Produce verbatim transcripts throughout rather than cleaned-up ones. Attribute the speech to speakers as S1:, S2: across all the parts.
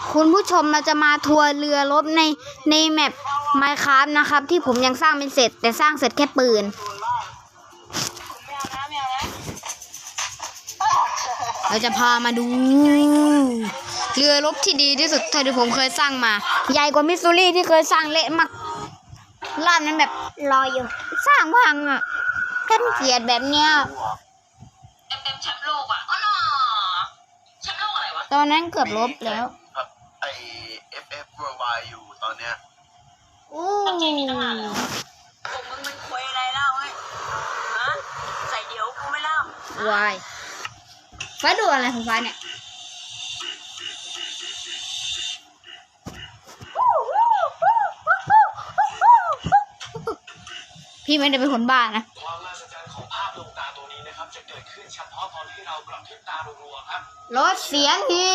S1: คุณผู้ชมเราจะมาทัวร์เรือรบในในแมป Minecraft นะครับที่ผมยังสร้างไม่เสร็จแต่สร้างเสร็จแค่ปืนเราจะพามาดูเรือรบที่ดีที่สุดเท่าที่ผมเคยสร้างมาใหญ่กว่ามิสซูรี่ที่เคยสร้างเละมากรอบนั้นแบบรออยู่สร้างพังอ่ะกันเกลียดแบบเนี้ย
S2: เอ็มเอ็มแชมป์โลกอ่ะอ๋อเนาะแชมป์โลกอะไรวะ
S1: ตอนนั้นเกือบลบแล้ว
S3: ไอเอฟเอฟ Worldwide อยู่ตอนเนี้ย
S1: อู้
S2: จริงๆตั้งนานแล้วพวกมึงมันคุยอะไรเล่าเฮ้ยฮะใส่เดี๋ยวกูไม่เล่าว
S1: ายฟ้าดูอะไรของฟ้าเนี่ยพี่ไม่ได้เป็นคนบ้านะ
S3: ความมหัศจรรย์ของภาพดวงตาตัวนี้นะครับจะเกิดขึ้นเฉพาะตอนที่เรากระพริบตารัวๆครับ
S1: ลดเสียงที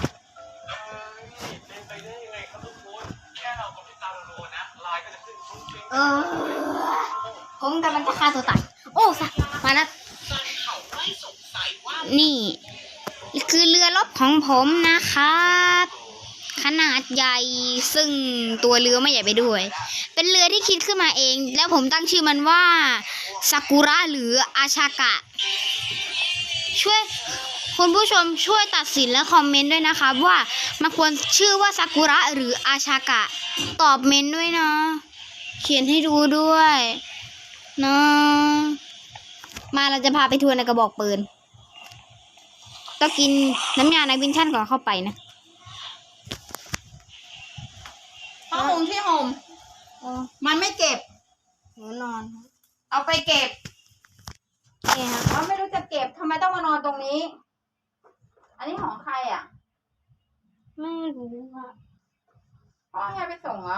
S3: เป็นไปได้ยังไงครับทุกคนแค่เรากระพริบตารัวๆนะลายก็จะขึ้นฟุ้งฟิ้ง
S1: เออผมกำลังจะฆ่าตัวตายโอ้สักมานะนี่คือเรือรบของผมนะครับขนาดใหญ่ซึ่งตัวเรือไม่ใหญ่ไปด้วยเป็นเรือที่คิดขึ้นมาเองแล้วผมตั้งชื่อมันว่าซากุระหรืออาชากะช่วยคุณผู้ชมช่วยตัดสินและคอมเมนต์ด้วยนะครับว่ามันควรชื่อว่าซากุระหรืออาชากะตอบเมนต์ด้วยนะเขียนให้ดูด้วยนะมาเราจะพาไปทัวร์ในกระบอกปืนต้องกินน้ำยาในวินชั่นก่อนเข้าไปนะ
S4: ผ้าห่มที่ห่มมันไม่เก็บ
S1: หนูนอน
S4: เอาไปเก็บ
S1: เนี่ยครับ
S4: เขาไม่รู้จะเก็บทำไมต้องมานอนตรงนี้อันนี้ของใครอ่ะ
S1: ไม่รู้ว่า
S4: พ่อให้ไปส่งเหรอ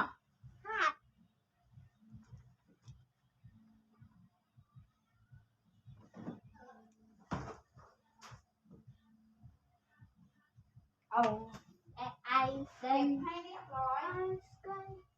S1: เอาไอเซ็น
S4: ให้เรียบร้อย